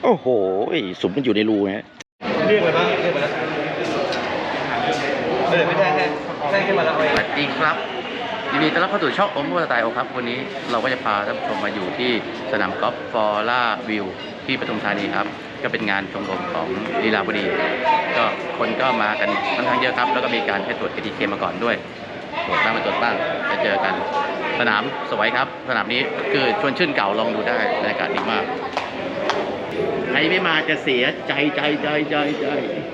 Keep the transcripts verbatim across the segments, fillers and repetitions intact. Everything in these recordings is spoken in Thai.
โอ้โหสุมมันอยู่ในรูฮะเรียกเลยปะเรียกมาแล้วเออไม่ใช่แค่แค่แค่มาแล้วสวัสดีครับยินดีต้อนรับเข้าสู่ช่องโอมโมสไตล์โอครับวันนี้เราก็จะพาท่านผู้ชมมาอยู่ที่สนามกอล์ฟฟอร์ล่าวิวที่ปทุมธานีครับก็เป็นงานชมรมของลีลาวดีก็คนก็มากันค่อนข้างเยอะครับแล้วก็มีการให้ตรวจ เอ ที เค มาก่อนด้วยตรวจบ้างไม่ตรวจบ้างจะเจอกันสนามสวยครับสนามนี้คือชวนชื่นเก่าลองดูได้บรรยากาศดีมากใครไม่มาจะเสียใจใจใจใจใจ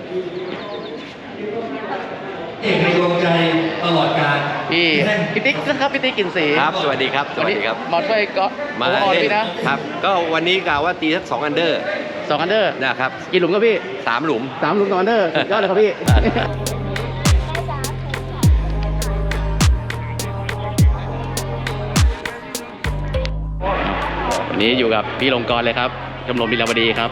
เอกในดวงใจตลอดกาลพี่พี่ติ๊กนะครับพี่ติ๊กกินสีครับสวัสดีครับสวัสดีครับมาช่วยก็มาเล่นนะครับก็วันนี้กล่าวว่าตีสักสองอันเดอร์สองอันเดอร์นะครับกี่หลุมครับพี่สามหลุมสามหลุมสองอันเดอร์ยอดเลยครับพี่วันนี้อยู่กับพี่ลงกรเลยครับชมรมลีลาวดีครับ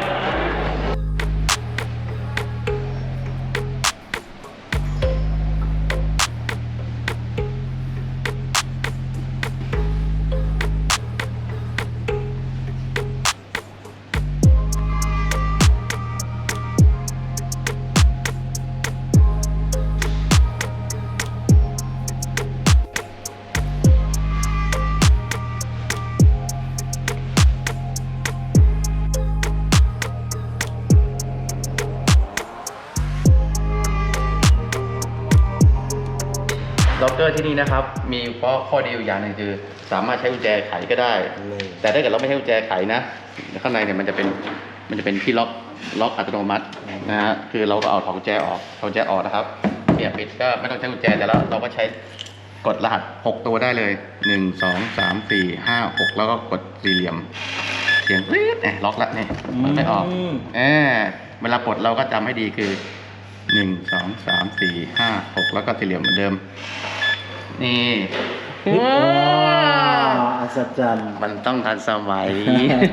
ล็อกเกอร์ที่นี่นะครับมีเพราะข้อดีอยู่อย่างหนึ่งคือสามารถใช้กุญแจไขก็ได้แต่ถ้าเกิดเราไม่ใช้กุญแจไขนะข้างในเนี่ยมันจะเป็นมันจะเป็นที่ล็อกล็อกอัตโนมัตินะฮะคือเราก็เอาถอดกุญแจออกถอดกุญแจออกนะครับเนี่ยปิดก็ไม่ต้องใช้กุญแจแต่แล้วเราก็ใช้กดรหัสหกตัวได้เลยหนึ่ง สอง สาม สี่ ห้า หกแล้วก็กดสี่เหลี่ยมเสียงปรี๊ดเนี่ยล็อกแล้วนี่มันไม่ออกเออเวลาปลดเราก็จำให้ดีคือหนึ่ง สอง สาม สี่ ห้า หกแล้วก็สี่เหลี่ยมเหมือนเดิมนี่ว้าวอัศจรรย์มันต้องทันสมัย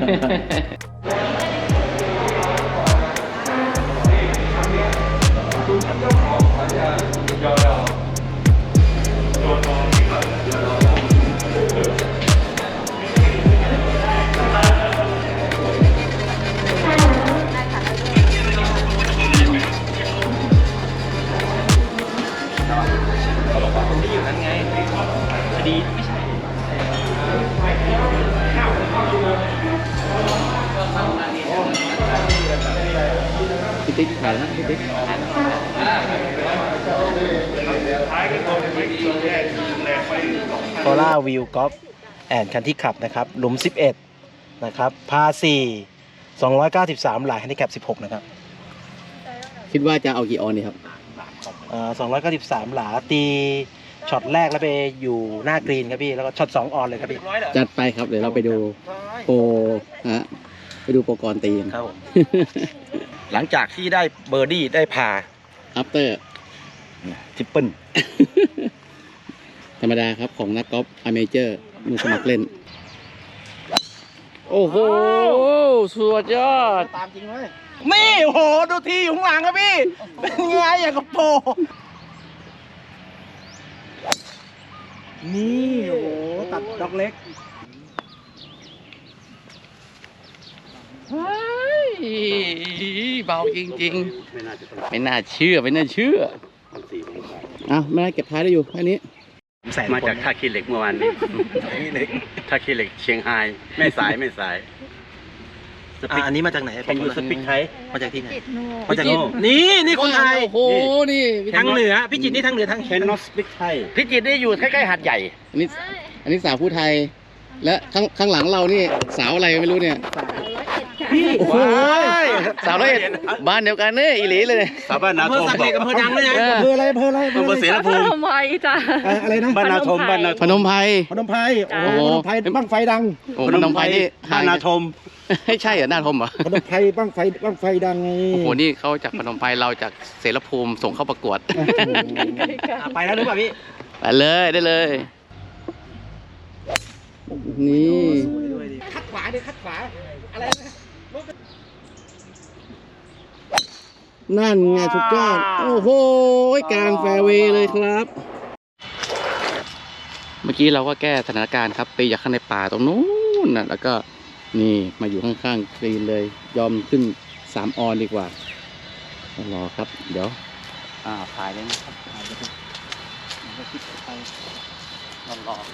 พี่ติ๊กถ่ายแล้วพี่ติ๊กฟอร่าวิวกอล์ฟแอนด์คันที่ขับนะครับหลุมสิบเอ็ดนะครับพาสี่สองร้อยเก้าสิบสามหลายแฮนดิแคปสิบหกนะครับคิดว่าจะเอากี่ออนดีครับอ่าสองร้อยเก้าสิบสามหลาตีช็อตแรกแล้วไปอยู่หน้ากรีนครับพี่แล้วก็ช็อตสองออนเลยครับพี่จัดไปครับเดี๋ยวเราไปดูโปรฮะไปดูโปรกรตีครับผมหลังจากที่ได้เบอร์ดี้ได้พาอัปเตอร์ทริปเปิลธรรมดาครับของนักกอล์ฟอเมเจอร์มือสมัครเล่นโอ้โหสุดยอดตามจริงเลยนี่โอ้โหดูทีอยู่ข้างหลังครับพี่เป็นไงอย่างกับโปรนี่โอ้โหตัดดอกเล็กเฮ้ยเบาจริงๆไม่น่าเชื่อไม่น่าเชื่ออ้าวไม่ได้เก็บท้ายได้อยู่แค่นี้มาจากท่าขี้เหล็กเมื่อวานนี้ท่าขี้เหล็กเชียงรายไม่สายไม่สายอันนี้มาจากไหนเป็นยูสปิกไทยมาจากที่ไหนมาจากโน่นี่นี่คนไทยโอ้โหนี่ทางเหนือพี่จิตรนี่ทางเหนือทางแคนนอสปิกไทยพี่จิตรนี่อยู่ใกล้ๆหาดใหญ่อันนี้อันนี้สาวผู้ไทยและข้างข้างหลังเรานี่สาวอะไรไม่รู้เนี่ยพี่โอ้ยสาวร้อยเอ็ดบ้านเดียวกันเนี่ยอีหลีเลยสาวบ้านนาทมอำเภออำเภอดังเลยนะอำเภออะไรอำเภออะไรอำเภอเสรภูมิพนมไพรจ้ะอะไรนะบ้านนาทมบ้านนาพนมไพรพนมไพรโอ้พนมไพรบั้งไฟดังพนมไพรนี่บ้านนาทมไม่ใช่เหรอนาทมเหรอพนมไพรบั้งไฟบั้งไฟดังไงโอ้โหนี่เขาจากพนมไพรเราจากเสรภูมิส่งเข้าประกวดไปแล้วหรือเปล่าพี่ไปเลยได้เลยนี่คัดขวาดิคัดขวาอะไรนะนั่นไงสุดยอดโอ้โหกลางแฟร์เวย์เลยครับเมื่อกี้เราก็แก้สถานการณ์ครับไปจากข้างในป่าตรงนู้นนะแล้วก็นี่มาอยู่ข้างๆกรีนเลย ยอมขึ้นสามออนดีกว่าต้องรอครับ เดี๋ยวอ่าถ่ายเลยนะครับถ่ายเลยมันก็คิดไปรอรอ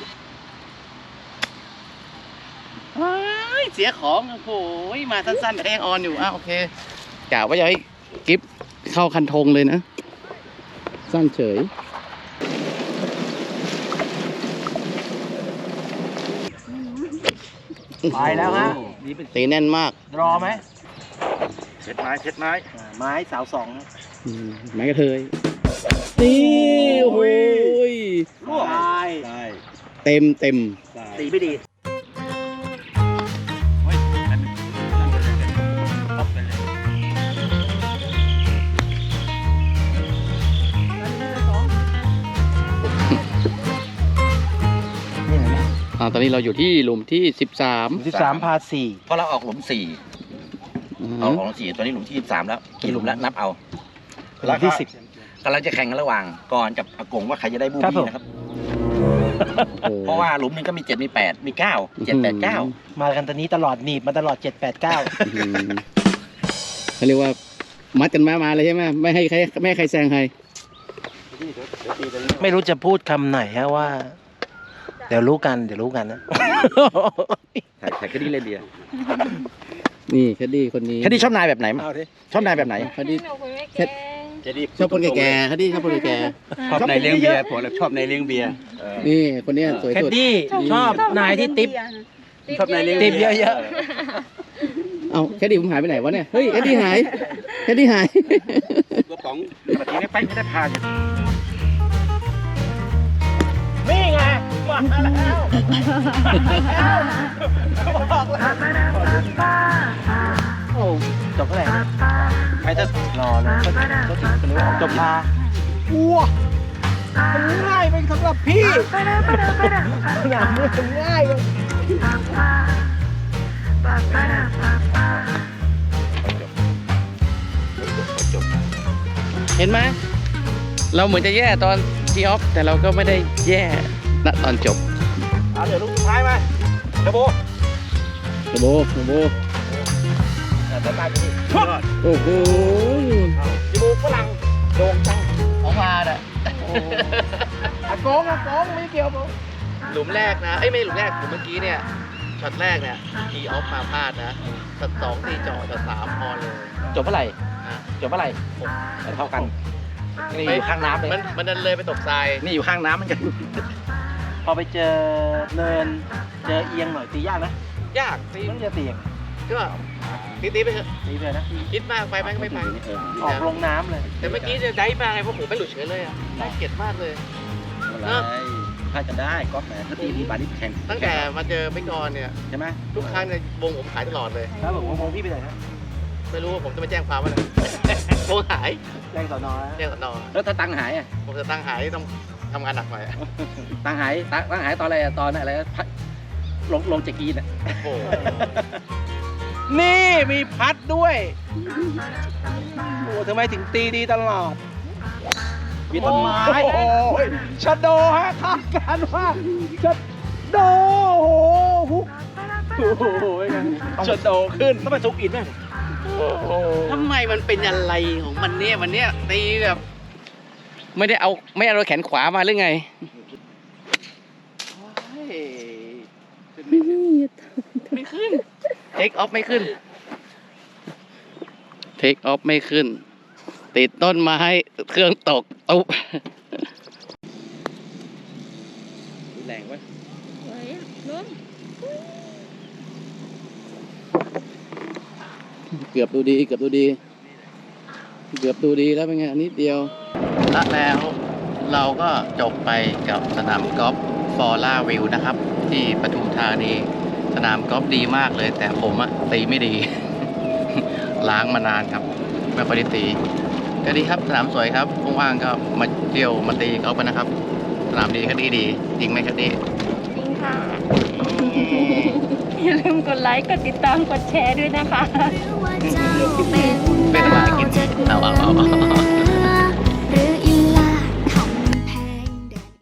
เฮ้ยเสียของโอ้โหมาสั้นๆแต่ก็ยังออนอยู่อ่ะโอเคกะว่าจะให้กิฟเข้าคันธงเลยนะ สั้นเฉยไปแล้วฮะตีแน่นมากรอไหมเช็ดไม้เช็ดไม้อ่าไม้สาวสองนะอืมไม้กระเทยนี่โอ้โหยร่วงได้เต็มเต็มได้ตีไม่ดีเฮ้ยนั่นนั่นไปเลยป๊อปไปเลยนี่เห็นไหมอ่าตอนนี้เราอยู่ที่หลุมที่สิบสามสิบสามพาสี่เพราะเราออกหลุมสี่เอาออกหลุมสี่ตัวนี้หลุมที่ยี่สิบสามแล้วกี่หลุมแล้วนับเอาหลุมที่สิบกำลังจะแข่งกันระหว่างก่อนกับอากงว่าใครจะได้บูครับผมบี้นะครับ เพราะว่าหลุมหนึงก็มีเจ็ดมีแปดมีเก้าเจ็ดแปดเก้ามากันตอนนี้ตลอดหนีบมาตลอดเจ็ดแปดเก้าอืมเขาเรียกว่ามัดกันมามาเลยใช่ไหมไม่ให้ใครไม่ให้ใครแซงใครไม่รู้จะพูดคำไหนฮะว่า เดี๋ยวรู้กันเดี๋ยวรู้กันนะถ่ายถ่ายคดีเลยเดียนี่แคดดี้คนนี้คดีชอบนายแบบไหนเอาดิชอบนายแบบไหนแคดดี้หนูคุยไม่แค่เก่งชอบคนแก่ๆแคดดี้ชอบคนแก่ชอบในเลี้ยงเบียร์ผมชอบในเลี้ยงเบียร์ๆนี่คนเนี้ยสวยแคดสุดดี้ชอบนายที่ติ๊บชอบในเลี้ยงติ๊บเบียร์เยอะเอ้าแคดดี้ผมหายไปไหนวะเนี่ยเฮ้ยแคดดี้หายแคดดี้หายกระป๋องแบบนี้ไปไม่ได้พาอยู่นี่ไงมาแล้วบอกแล้วโอ้จบเท่าไหร่นะไปเถอะรอเลยก็ก็ถึงกันเลยว่าจบพาว้ามันง่ายไปสำหรับพี่สนามนี้มันง่ายเลยเห็นไหมเราเหมือนจะแย่ตอนทีออฟแต่เราก็ไม่ได้แย่ณตอนจบเอาเดี๋ยวลูกสุดท้ายมาเดโบโอ้โหโอ้โหแต่ตายไปดิโอ้โหจมูกฝรั่งโด่งจังของมาอ่ะอากงอากงไม่เกี่ยวผมหลุมแรกนะ เอ้ยไม่หลุมแรกหลุมเมื่อกี้เนี่ย ช็อตแรกเนี่ยทีออฟมาพลาดนะ ช็อตสองตีจ่อช็อตสามพอเลยจบเมื่อไหร่นะจบเมื่อไหร่แต่เท่ากันนี่อยู่ข้างน้ำเลยมันมันดันเลยไปตกทรายนี่อยู่ข้างน้ำเหมันกันพอไปเจอเนิน เจอเอียงหน่อยตียากนะยากตีต้องจะตีอย่างก็ตีตีไปเถอะตีเลยนะคิดมากไปไหมก็ไม่ไปออกลงน้ำเลยแต่เมื่อกี้เนี่ยได้มาไงเพราะผมไม่หลุดเฉยเลยอ่ะน่าเกลียดมากเลยถ้าจะได้ก็แหมถ้าตีที่บาดิแข่งตั้งแต่มาเจอไม่กรเนี่ยใช่ไหมทุกครั้งเนี่ยวงผมหายตลอดเลยครับผมมองพี่ไปไหนฮะไม่รู้ว่าผมจะไปแจ้งความว่าอะไร วงหายแรงสอนอแจ้งสนแล้วถ้าตังค์หายอ่ะผมจะตั้งหายต้องทำงานหนักหน่อยอะตังค์หายตังตังค์หายตอนอะไรอะตอนอะไรพัดลงลงจากกีนอ่ะโอ้โหนี่มีพัดด้วยโอ้ทำไมถึงตีดีตลอดมีต้นไม้โอ้ยชะโดฮะคาดการณ์ว่าชะโดโอ้โหฮุกโอ้โหชะโดขึ้นต้องไปซุกอินไหมโอ้โหทำไมมันเป็นอะไรของมันเนี่ยวันเนี้ยตีแบบ ไม่ได้เอาไม่เอาแขนขวามาหรือไงไม่ขึ้นเทคออฟไม่ขึ้นเทคออฟไม่ขึ้น ติดต้นไม้เครื่องตกตุ๊บแรงวะเฮ้ยลุงเกือบดูดีเกือบดูดี เกือบดูดีแล้วเป็นไงนิดเดียวและแล้วเราก็จบไปกับสนามกอล์ฟฟอร่าวิวนะครับ ที่ปทุมธานีสนามกอล์ฟดีมากเลย แต่ผมอะตีไม่ดี ล้างมานานครับ ไม่ค่อยได้ตีก็ดีครับสนามสวยครับว่างๆก็มาเที่ยวมาตีกอล์ฟกันนะครับ สนามดีคดีดีจริงไหมคดีจริงค่ะ อย่าลืมกดไลค์ กดติดตาม กดแชร์ด้วยนะคะเป็นอะไรกินเอาเอาเอา